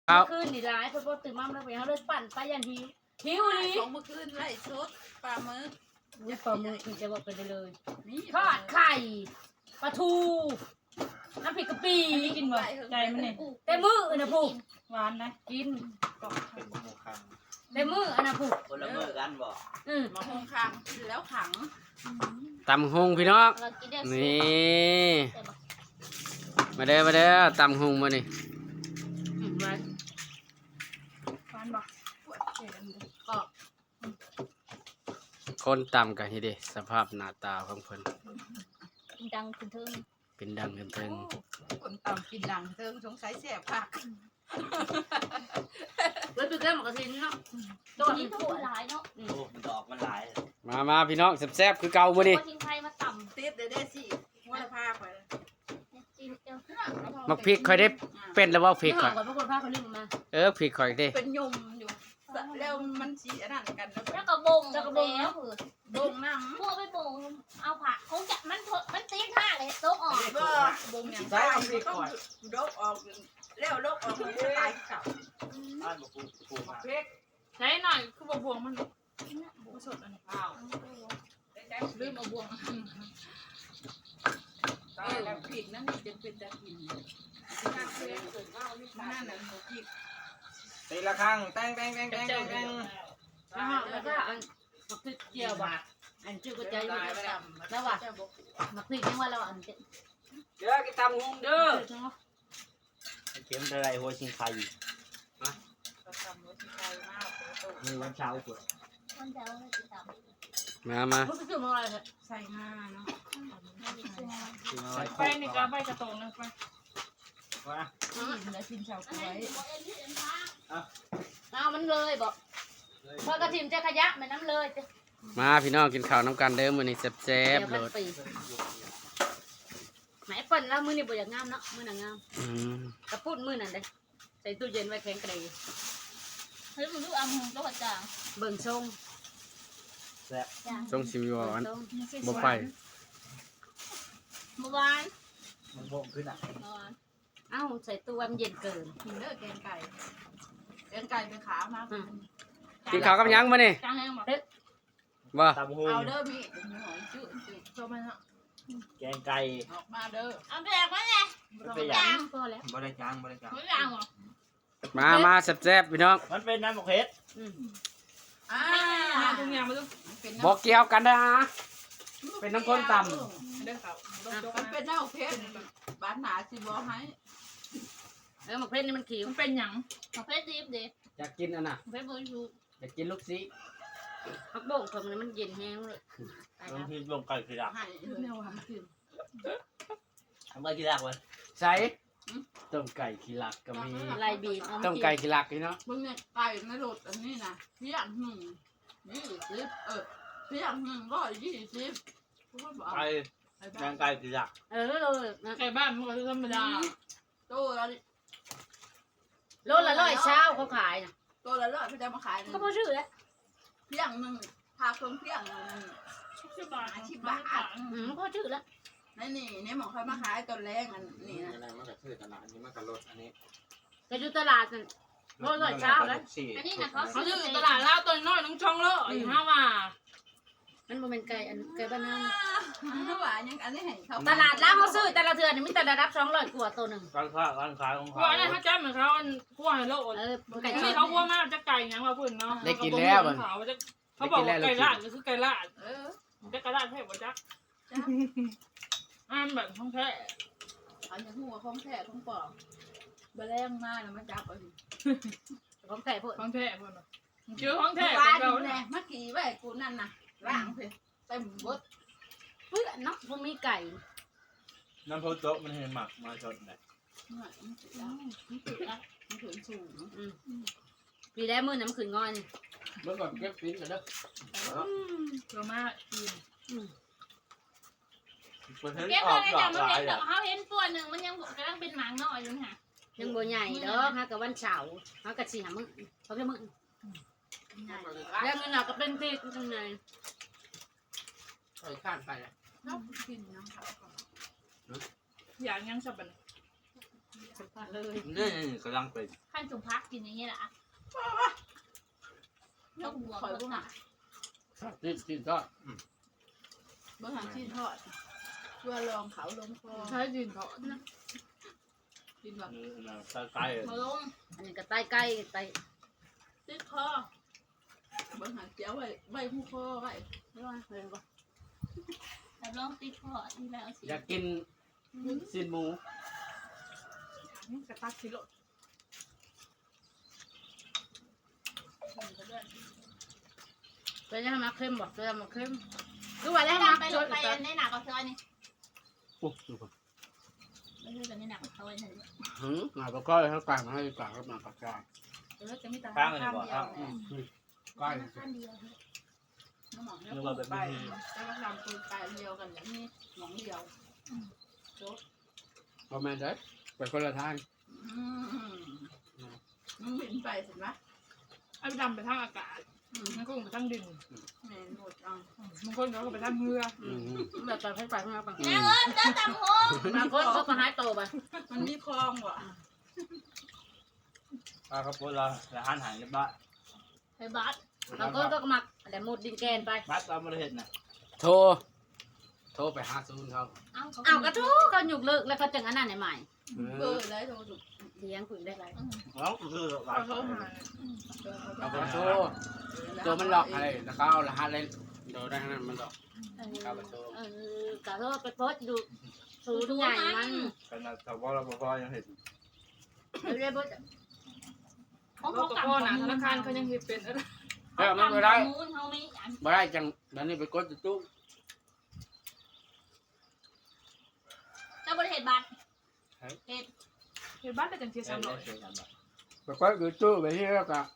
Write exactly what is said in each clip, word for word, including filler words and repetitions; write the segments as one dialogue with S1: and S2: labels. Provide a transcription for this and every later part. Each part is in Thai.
S1: เมื่อคืนนี่ร้ายเพราะว่าตื่นมาแล้วไปเขาเลยปั่นไปยันหิวหิวนี่
S2: ของเมื่อคืนไล่ชุดปลาหมึก
S1: อุ้ยปลาหมึกจะบอกไปเลยทอดไข่ปลาทูน้ำพริกกะปิกินบ่ใจมันนี่แต่มือนะผูกหวานนะกินแต่มืออันนะผูก
S3: คนละมือกันบ่
S1: อืม
S2: มาหงขังกินแล้วขัง
S4: ตำหงพี่น้องนี่มาเด้อมาเด้อตำหงมานี่
S1: อืมไว้
S2: ฟันบอกปวดเจ็บ
S1: ก็
S4: คนตำกันทีเดีสภาพหน้าตาของเพิ่น
S1: ดังขึ้นเทิง
S4: เป็นดังกันเทิง
S2: คนตำกินดังเติมสงสัยแสบผัก
S1: ไว้ไปแก้หมกระทินเนาะตัวนี้ตัวหลายเนาะ
S3: โอ้มันดอกมันหลาย
S4: มามาพี่น้องแซ่บๆคือเก่ามื้อนี้
S1: ทิ้งไทยมาต่ำ
S2: ติดเด้อเด้อสิหัวละพาไป
S1: จิ้มเจียว
S4: มักพริกค่อยได้เป็นแล้วว่าพริ
S1: พี่
S4: ก
S1: หอ
S4: ค่อย
S1: ก่อนพวกคนพาคนนึงมา
S4: เออพริกค่อยเด้
S2: เป็นยมอยู่แล้วมันสีอันนั้นกัน
S5: แล้วก็บงแล้วก็บงแล้ว
S2: ดงน้
S5: พวกไปบงเอาผักคงจะมันมันตีท่าเลยโต๊ะออก
S2: ำก็บงอย่างไรต้องดกออกแล้วดกออกมันจะตายเก่า
S3: บ้านบ่ปูปูมา
S2: เพ็ก
S6: ใช้หน่อยคือบวงมันบวงสดอันนี้
S2: อ้าว
S6: ลืมเอาบวง
S2: ตายแล้วผิดนั่นนี่จะเป็นตะกินนั่นเลยนั่นน่ะผิด
S3: ตีละครั้งแตงแตงแตงแตงแตง
S1: แล้วแล้วก็อันมักพริกเจียวบาทอันชื่อก็ใจอยู่แล้วว่ะมักพริกยังว่าเราอันเจ็ด
S4: เด้อกินตำหงเด้อ
S3: เข็มอะไรหัวชิงไข่
S2: เราทำรถที่ไกลมากเลยตัว
S3: มีวันเช้าเปิด
S5: มันจะเอาอะไรติดต่อ
S4: มามา
S1: มันคือมันอะไรเนี่ย
S2: ใส่มาเนาะ
S3: กินอะไร
S6: ไปนี่ก็ไปกระตรงนะไป
S3: ว่า
S2: กินแล้วกินเฉา
S5: อัน
S2: ก๊ว
S5: นี้
S2: ย
S5: บอกเอ็นที่เอ็นพา
S1: เอามันเลยบอกพอกระถิ่นจะขยะมันน้ำเลยจะ
S4: มาพี่น้องกินข้าวน้ำกันเด้อมื้อนี้แซ่บ
S1: เดี๋
S4: ๆ
S1: ยว
S4: โล
S1: มัน
S4: ด
S1: ปีไหนเปิ่นแล้วมือนี่บ่อยากงามเนาะมือน่ะงาม
S4: อืม
S1: กระปุ้นมือนั่นเลยใส่ตู้เย็นไว้แข็งกระเดย
S5: เฮ้ยมึงดูอ่ะมึงโต๊ะจาง
S1: เบิ่งทรง
S3: แซ่บ
S5: จาง
S4: ทรงสิมีบ่อัน
S1: ทรง
S4: บ่ไป
S5: เมื่อวาน
S3: มันบ่มขึ้นอ่ะ
S5: เมื่อวาน
S1: เอ้าใส่ตู้มันเย็นเกิน
S2: กินเด้อแกงไก่แกงไก่เป็นขามาก
S4: กินข้าวกับหยังมื้อนี้
S5: จางแห้งบอก
S4: บ่
S3: ตำหู
S2: เอาเด้อมีหมูหอยจืดชมมันเนาะ
S3: แกงไก่
S2: ออกมาเด้อ
S5: เอาแบกมาไง
S3: มันเป็น
S1: จางพอแล้ว
S3: บ่ได้จางบ่ได้จาง
S5: ไม่จางหรอ
S4: มามาแซ่บๆพี่น้อง
S3: มันเป็นน้ำหมกเฮ็ด
S1: อืม
S2: อ่า
S6: ทุกอย่างมาดู
S2: เป็น
S4: บ่เกี่ยวกันนะเป็นน้ำข้นตำ
S6: เด้อเขา
S2: มันเป็นเน่าเพชรบ้านหนาสิบ่ให้
S1: เออหมกเพชรนี่มันขิว
S6: มันเป็นหยัง
S5: ประเภทดีฟเด็ก
S4: อยากกินอันน่ะ
S5: ประเภทบริสุทธิ์
S4: อยากกินลูกศิ
S1: ผักโบ่งผมนี่มันเย็นแห้งเลย
S3: บางทีลงไก่คือดัก
S2: ให้แนวทำกิน
S3: ทำไมคือดักวะ
S4: ใส่ต้มไก่ขี้หลักก็มี
S1: ลายบีบเอา
S4: ต้
S1: มาม กิน
S4: ไก่ขี้หลักพี่น้อง
S2: มึงเนี่ยไก่ในรถอันนี้นะเพียงหนึ่งยี่สิบเออเพียงหนึ่งร้อยยี่สิบพูดบอก
S3: ไก่แกงไก่คือดัก
S1: เออเลยนะ
S6: ไก่บ้านมันก็ธรรมดา
S2: ตัวละ
S1: โลละร้อยเช้าเขาขายนะ
S2: ตัวละร้อยเขาจะมาขาย
S1: ก็พอชื่อแล้ว
S2: เพียงหนึ่งพาคนเพียงหนึ่ง
S6: สิบบาท
S1: อืมพอชื่อแล้ว
S2: นี่นี่นี่หมอเขามาขายตอนแรกอันนี่นะ
S3: อะไรมันก็คือตลาดอันนี้มันก็ลดอันนี้
S1: ไปดูตลาดกันโลละร้อยเช้าแล้ว
S5: อันนี้นะเขา
S6: เขาซื้อตลาดลาวตัวน้อยน้องช่องเลอีห้าว่า
S1: มันบ่เป็นไก่อันไก่บ้านน
S2: ถ้
S1: า
S2: าว่ายังอันนี้เห็นเขา
S1: ตลาดแล้วเขาซื้อแต่ละเทือนนี่มีแต่ระดับสองร้อยกว่าตัวหนึ่ง
S3: ร้านค้าร้านขายของ
S6: พว
S3: เขา
S6: กนั้นเขาจ้าเหมือนเขาคั่วให้โลด
S1: เออไก่
S6: อัน
S1: ช
S6: นี้
S1: น
S6: เขาคั่วมากจะไก่ยังว่าพุ่นเนาะเขาบอกว่าไก่ลาดก็คือไก่ลาด
S2: เออ
S6: จะไก่ลาดแท้บ่จักอ่านแบบท้องแท้
S2: อันนี้หัวของแท้ของปอกบะแรงมากนะมาจับเอาดิ
S1: ของไก่พวก
S6: ท้องแท้พุ่นเจอท้องแท้
S2: บ้าน
S6: เก่า
S2: นี่แหละเมื่อกี้ไว้กูนั่นน่ะร่างเพเต็มบด
S1: เพื่อนเนาะพวกมีไก่
S3: น้ำพุโต๊ะมันเห็นหมักมาชนเลย
S2: มันถึงแล้วมันถึงแล้วมันถึงสูง
S1: อืมปีแล้วมือน้ำขืนงอยนี่
S4: เมื่อก่อนเก็บปิ้นกันเด้อ
S6: เยอะมากกิน
S3: มันเห็น
S5: เก็บ
S3: ออก
S5: เลย
S3: ดอ
S5: แต่
S3: ก
S5: มัน
S3: หลา
S5: เห็
S3: ย
S5: น
S3: อ่ะ
S5: เขาเห็นตัวหนึ่งมันยังกำลังเป็นหมางน้อยอยู่ค่ะ
S1: ยังบ่ใหญ่เด้อฮะกับวันเสาร์ฮะกับสี่หามึงเขาแค่มึงแล้วเงินเราก็เป็นที่ยังไง
S4: ใส่ข้านไปเลย
S2: น้ำกินน้ำเขา
S6: อย่างยังสับปะเลย
S4: นี่กำลังเป็น
S5: ขั้นสุพักกินอย่างเงี้ยแหละยกหัว
S2: คอย
S5: ก็
S2: พวก
S5: หนั
S2: น่ะ
S5: ก
S4: นี่กินก็
S2: บางหางที่ทอดเพื่อลองเขาลงคอ
S6: ใช้ดินเถาะนะ
S2: กินแบบ
S4: ใกล้
S5: มาลง
S1: อันนี้ก็ใต้ใกล้ใต้
S2: ติดคอบางหางเจียวไว้ไว้หูคอไว้
S1: ไม่ว่าเพิ่นบ่
S5: แต่ลองติดคอที่แล้วสิ
S4: อยากกินซีนหมู
S6: กระตักสิโล
S1: เป็นยังมาเข้มบ่เป็นมาเข้มคือว่าแล้ว
S5: ด
S1: มา
S5: ไป
S1: จ
S5: ล
S1: ด
S5: งไปในหนักกับเธอนี่
S4: โอ้ดูก่อน
S5: ไม่ใช่เป็นในหนักกับเธอนี่
S4: หืมมาประกอบให้กลางให้กลางก็มาปากกา
S1: เออจะมีตา
S3: ข้างเลยบ่ข้าง
S4: ใกล้
S5: ข้างเดียว
S2: น้ำหมองเนี่ยไปแล้วก็ทำปืนปลายเดียวกันอย่างนี้หมองเดียว
S4: ประมาณได้ไปคนละทาง
S2: มันบินไปเห็นไหม
S6: ไอ้ดำไปทางอากาศมันก็ไปทางดิน
S2: แม่หมดจัง
S6: บางคนเขาก็ไปทางเรือ
S4: อืม
S1: แบบตอนให้ไปข้างนอกบาง
S5: แม่เอิญเดินตามห้อง
S1: บางคนเขาก็หายโตไป
S2: มันมีคลองว่ะ
S3: ปลาครับพวกเราอาหารหายเรียบร้อย
S5: ไปบัส
S1: บางคนก็หมักแต่หมดดินแกนไป
S3: บัดเราไม่ได้เห็นนะ
S4: โทรโทรไปหาซูนเขา
S5: เอ้าเขา
S1: เอากระทู้ก็หยุกเลิกแล้วก็จังอันนั้นใหม่
S2: เบอร์ได้โทรถูก
S1: เลี้ยงคุยได้ไร
S3: แล้วคือหลาย
S6: เขาหาย
S4: เอาไปโทรตัวมันหลอกอะไรแล้วเขาเอารหัสเลยโดนได้ขนาดมันหลอกเข้าไปโทร
S1: เออกะโทษไปโพสต์ดูสูตรใหญ่มัน
S3: ขนาดแต่ว่าเราพอยังเห็น
S1: เรียบร้อย
S5: ของ
S6: เขา
S5: เขา
S6: กับ
S5: กลับ
S6: พ่อหนาธนาคารเขายังเห็นเป็นอะไร
S4: เออมันไม่ได้
S5: มูนเขาไม่อัน
S4: ไม่ได้จังแล้วนี่ไปกดตู้
S5: เจ้าบริเหตุบัตรเหตุ
S6: เห็นบ้านแต่จังเทียสามร้อย
S4: ไปกดอยู่ตู้ไปที่แล้วก็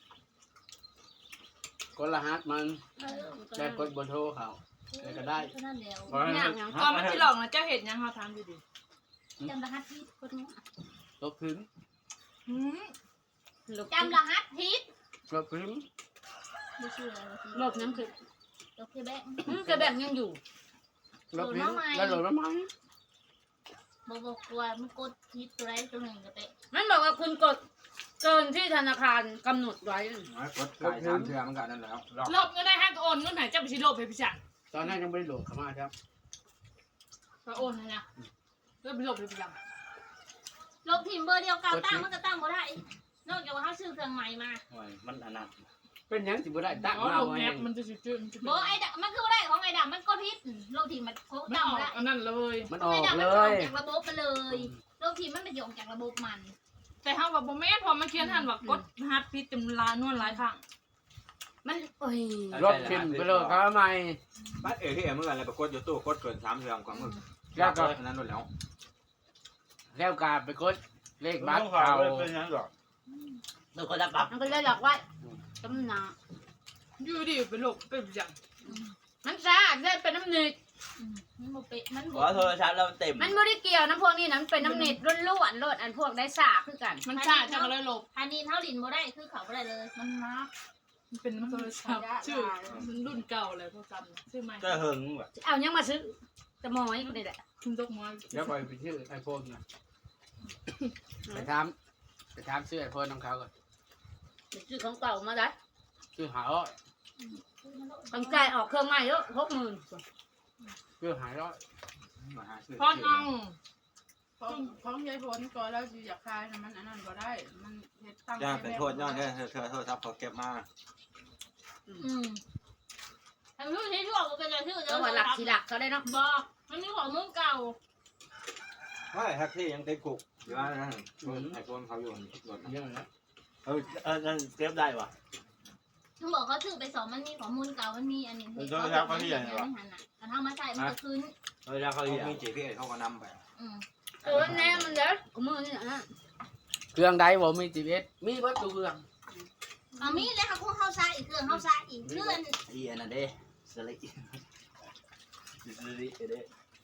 S4: กดรหัสมันได้กดบนโทรเขาแล้วก็ได้
S5: เท่านั้นเดียว
S6: ก่อนมันที่หลอกนะเจ้าเห็นยังเขาทำดีดี
S5: จำรหัสทิศคนนู้น
S4: ลบพื้น
S6: หืม
S5: จำรหัสทิศ
S4: ลบพื้น
S5: ไม่เชื่อ
S1: โลกน้ำคือ
S5: โอเคแบง
S1: กระแบ่งยังอยู่
S4: ลบพื้นแล้วโหลดมาไหม
S5: บอกบอกกลัวมันกดทิศตัวใดตัวหนึ่งก็เตะ
S1: มันบอกว่าคุณกดเกินที่ธนาคารกำหนดไว้
S3: กดไก่สามเทือมันก็นั่นแล้วรอบ
S6: ลบเงินได้ห้าก็โอนเงินหายเจ้าไปชิโลบไปพิจาร
S4: ตอนนั้นยังไม่ได้โหลดเข้ามาครับ
S6: ก็โอนนะนะเริ่มไปโลบไปพิจาร
S5: ลบทีมเบอร์เดียวกันตั้งมันก็ตั้งบ่ได้นอกจากว่าเขาซื้อเครื่องใหม่มา
S3: มันอันนั้น
S4: เป็นยังสิบ่ได้ตั้ง
S6: อ๋อ
S4: มา
S6: โลบ
S4: ไว้
S6: แอปมันจะจืด
S5: บอกไอ้ดมันคือบ่ได้ของไอ้ดำมันกดทิศลบทีมมันโค
S6: มัน
S5: ตั้ง
S6: ออ
S5: บ่
S6: ก
S5: ได้
S6: อันนั้นเลย
S4: มัน
S5: ข
S4: อ
S5: อง
S4: อ
S5: ไอ้
S4: ก
S5: ดำ
S4: เล
S5: มันออก
S4: ย
S5: จากระบบไปเลยลบทีมมันไปโยงจากระบบมัน
S6: แต่เขาแบบโมเมนต์พอมาเขียนทันว่ากดฮัทพิษจำลานวลหลายครั้ง
S1: มันโอ้ย
S4: ลบทิมไปเลยเขาใหม่
S3: บัดเอที่เมื่อไรไปกดอยู่ตู้กดเกินสามเทือกว่ามึง
S4: แล้วก็
S3: นั้นหมดแล้ว
S4: แล้วกาไปกดเลขบัตรเก่า
S3: เป็นยังหรอ
S4: ดูคนละปั๊บ
S1: มันก็เลยหลอกไว้ตำหนา
S6: อยู่ดีไปโลบไปพิจาร
S1: มันซ่าได้เป็นน้ำหนิด
S5: มันบ่เป๊ะมัน
S3: ขอโทรศัพท์เราเต็ม
S1: มันไม่ได้เกี่ยวน้ำพวกนี้นะมันเป็นน้ำหนิดล้วนๆโลดอันพวกได้ซ่าคือกัน
S6: มันช่าจะก็เลยโลบ
S5: อันนี้เท่าดินบ่ได้คือเขาบ่ได้เลย
S6: มันมามันเป็นโทรศัพท์ชื่อมันรุ่นเก่าเลยโทรศัพท์ชื่อใหม่
S3: ก็หึงแบบ
S1: เอายังมาซื้อจะมอยนี่แหละ
S6: คุณตกม้อย
S4: แล้วไปไปชื่อไอโฟนนะไปทำไปทำชื่อไอโฟนของเขาก่อน
S1: ซื้อของเก่ามาได้
S4: ชื่อหาร้อย
S1: ต้องจ่ายออกเครื่องใหม่เยอะหกหมื่น
S4: ชื่อหาร้อย
S3: มาหาซื้อ
S6: พอนเอา
S2: ของของยายพลก่อนแล้วสิอยากคายมันอันนั้นบ่ได้มันเฮ็ดตั้ง
S3: ย่าเป็นโทษย้อนเนี่ยเธอเธอโทษทับเขาเก็บมา
S5: อืมทำชื่อที่ชั่วก็เป็นชื่อเดี
S1: จังหวัดหลักสีหลักเขาได้เนาะ
S5: บ่มันมีของมึงเก่า
S3: ไม่แท็กซี่ยังติดคุกอยู่ว่านั่นไอโฟนเขาอยู่รถ
S4: เยอะแล้ว
S3: เออเออนั่นเก็บได้ปะ
S5: มึงบอกเขาซื้อไปสองมันมีของมูลเก่ามันมีอันนี้
S3: เออโดยแล้วเขาที่ไหนวะ
S5: ไม่หันอ่ะแต่ถ้ามาใส่มันก็คืน
S3: เออแล้วเขามีจีพีเอสเขาก็นำไป
S5: อืม
S1: เออแน่มันเด้อกูมือนี่นะ
S4: เครื่องใดบ่มีจีเอสมีวัตถุเครื่อง
S5: เอามีเลยค่ะพวกเขาใส่อีกเครื่องเขาใส่อีกเครื่อง
S3: อีอันนั้นเด้สลิสลิเด้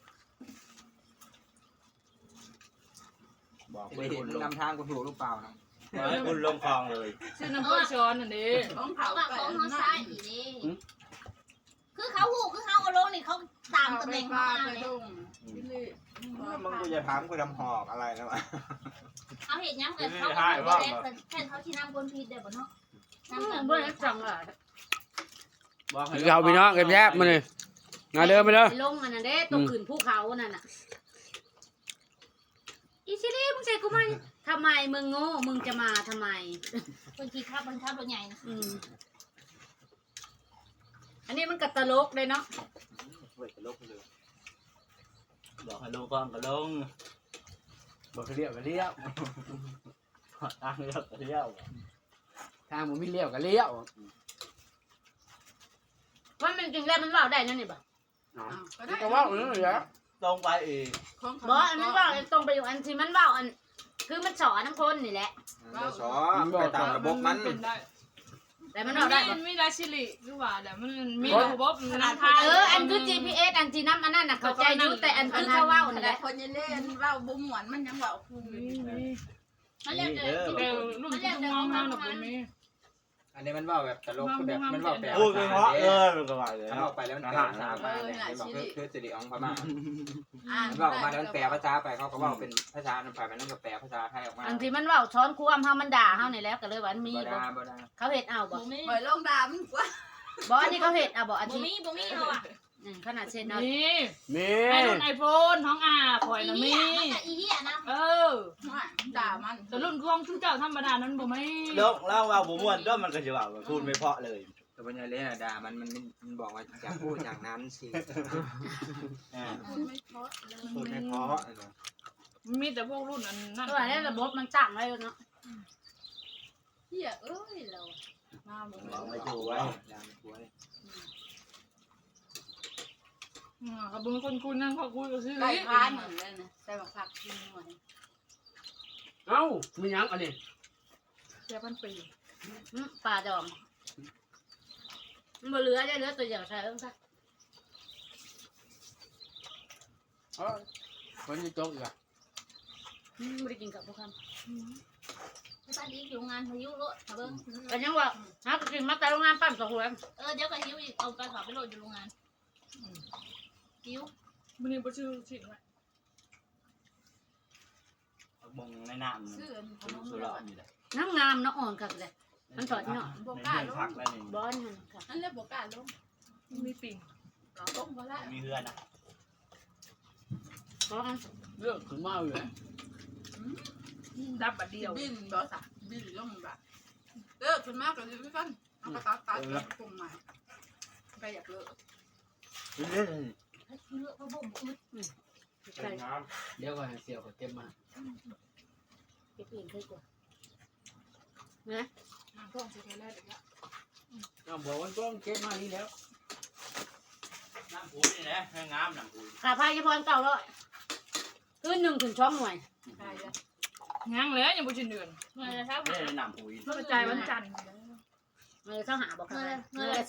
S3: บอกคุณนำทางคุณถูกหรือเปล่านะคุณลงคลองเลย
S6: ชื่อน้ำก้อยช้อนอันนี้
S2: ของ
S5: เขา
S2: เขา
S5: ว่า
S2: ไป
S5: ของ
S2: อัน
S5: เขา
S2: นั้น
S5: ใส่อีกนี่เคคือเขาหูคือเขาเอาลงนี่เขาตามตำแหน่ง
S2: ปลา
S5: เขา
S2: ไป
S5: เลย
S2: ดงพี่ลี่
S3: มึงกูจะถามกูทำหอกอะไรนะวะ
S5: เขาเห็นย้ำกันเขาเขาแค่เขาชี้น้ำคนผิดเดี๋ยวบ่เนาะน้ำกัน
S1: เบื่อจังอ่ะ
S4: คือเขาพี่น้องแซ่บๆมาเลยมาเด้อมาเด้อ
S1: ลงมันน่ะเด้ตกขืนภูเขานั่นน่ะอีชิลี่มึงใส่กูมาทำไมมึงโง่มึงจะมาทำไม
S5: คนขี่ข้าวคนข้าวรถใหญ่นะ
S1: อืมอันนี้มันกระตลกเลยเนาะ
S3: เว้ยตลกเลย
S7: บอกให้ลงก่อนก็ลงบอกให้เลี้ยวก็เลี้ยวทางเลี้ยวก็เลี้ยว
S4: ทางผมมีเลี้ยวกับเลี้ยว
S1: ว่ามันจริงแล้วมันเล่าได้นั่นนี่บ่
S4: ก็ว่าอย่างนี้เหรอ
S7: ตรงไปอีก
S1: บ่อันมันเล่าตรงไปอยู่อันที่มันเล่าอัน คือมันสอนน้ำคนนี่แหละ
S3: บ่สอไปตามระบบมัน
S6: เป็นได้
S1: แต่มันเล่าได้บ่
S6: มันมีราชิลิคือว่าแต่มันมีระบบนำพา
S1: เอออันคือ จี พี เอส อันที่น้ำอันนั้นน่ะเข้าใจอยู่แต่อันคือเขาเว้านั่นแห
S2: แต่
S1: ละ
S2: คนยังเล่นเว้าบ่ม่วนมันยังเว้าคู
S5: มันเรียกเดิน
S6: เออลูกที่มองมาหนูก็มี
S3: อันนี้มันว่าแบบตลกคือแบบมันว่าแบบ
S7: พูดไปเพราะเออมันก็ว่าเลย
S3: มันออกไปแล้วมันแปลภาษามาเนี่ยบอกคือคือสิริของพม่า
S2: อ่าน
S3: มันว่าออกมาแล้วมันแปลภาษาไปเขาก็ว่าเป็นภาษาอันฝ่ายมันนั่นก็แปลภาษาไทยออกมา
S1: อันที่มันเว้าช้อนความเฮามันด่าเฮานี่แหล้วก็เลยว่ามันมี
S3: บ่
S1: บ่
S3: ได้บ่ได้
S1: เขาเฮ็ดเอาบ่
S5: บ่มี
S2: ปล่อยลงดามันกว่า
S1: บ่อันนี้เขาเฮ็ดเอาบ่อัน
S5: บ่
S1: ที่
S5: มีบ่มีเขาอ่ะ
S1: อืมขนาดเช่นเอา
S6: นี่
S4: มี
S6: ไอรุ่นไอโฟนท้องอาข่อย
S5: อี
S6: นะ
S5: เหี้
S6: มี
S5: ยมันก็อีเหี้ยนะ
S6: เออ
S2: ด่ามัน
S6: แต่รุ่นของชุดเจ้าธรรมดานั้นบ่ไม่
S7: ลงแล้วว่าบุม่วนก็มันก็จะว่าพูดไม่เพราะเลย
S3: แต่ปัญญาเล่นอะด่ามันมันมันบอกว่าจะพูดอย่างนั้นสิ
S2: พูดไม่เพราะเลย
S3: พูดไม่เพราะ
S6: มีแต่พวกรุ่นอันนั้น
S1: ตัวนี้ระบบมันตั้งไว้แล้วเนาะ
S2: เหี้ยเอ้ยเรามาบ่
S7: ลองไม่
S3: ถู
S7: ถู
S3: ก
S7: ก
S3: ไว้
S7: ไว้
S3: ด่าไม่ถูกไว้
S6: เขาเป็นคนคุยนั่งเขาคุยกับชื่อ
S2: ไก่พานเหมือนเลยนะใส่บักผักกินหน่อย
S4: เอ้ามีหยังอันนี้
S6: เสียพันปี
S1: อืมปลาดองมันบ่เหลือได้เหลือตัวเดียวใช่เอิ้นซะ
S4: เอ้ยคนจะจกอีกอ่ะ
S1: อืมบ่ได้กินกับพวกคำ
S5: ตอนนี้อยู่งานพายุรถเบิ่ง
S1: ก็ยังว่าหากินมาแต่โรงงานปั๊มสองหัว
S5: เออเดี๋ยวก็หิวอีกเอาไปฝากไปโหลดอยู่โรงงานหิว
S6: มันนี่บ่ชื่อชิดไว้
S7: บงในน้ำ
S2: ซื้ออันขนม
S7: สุ
S2: ห
S7: ร
S2: ลอ
S7: อ
S2: ด
S7: ดนี่แหละ
S1: น้ำงามน้ำอ่อนคักเลย มันสดเนาะ
S2: บ่
S7: ใน
S2: กล้า
S7: เพื่อน
S2: ล
S7: พัก
S2: ง
S7: แล้วนี่
S1: บอนมันค่ะ
S2: นั่นเลยบ่กล้าลง
S6: มีปิ่ง
S2: ลงบ่ละ
S7: มีเพื่อนนะ
S1: บอน
S4: เรื่องขึ้นมาอยู่ไหน
S6: ดับบัดเดียว
S2: บินบ่ซะบินลงบ่เลิกขึ้นมากก็สิกันเอากระตัดตัดปรุงใหม่ไปอยากเลิก
S7: เล่น
S5: เลือกพระบ่มอึด
S1: ใส่
S4: เดี๋ยวก็ให้เสี่ยวก็เก็บมา
S1: เก็บเองเคยกว่า
S6: ต้องสิแค่แรกอีกแล้ว
S4: เอาบอกว่าต้องเก็บมานี่แล้ว
S7: น้ำผูนี่นะให้งามน้ำผู
S1: ขาพายจะพรเก่าแล้วคืนหนึ่งถึงช่องหน่วย
S2: ใช่แล้ว
S6: ยังเลยยังบ่ชินเดือน
S5: เงินละเท่า
S7: ไม่ได้น้ำผู
S6: กระจายวันจันทร์
S1: เงินเข้าหาบอก
S5: เงิ
S1: ค่ะ
S5: นเงิ
S1: เงิ
S5: น
S1: น
S5: ละ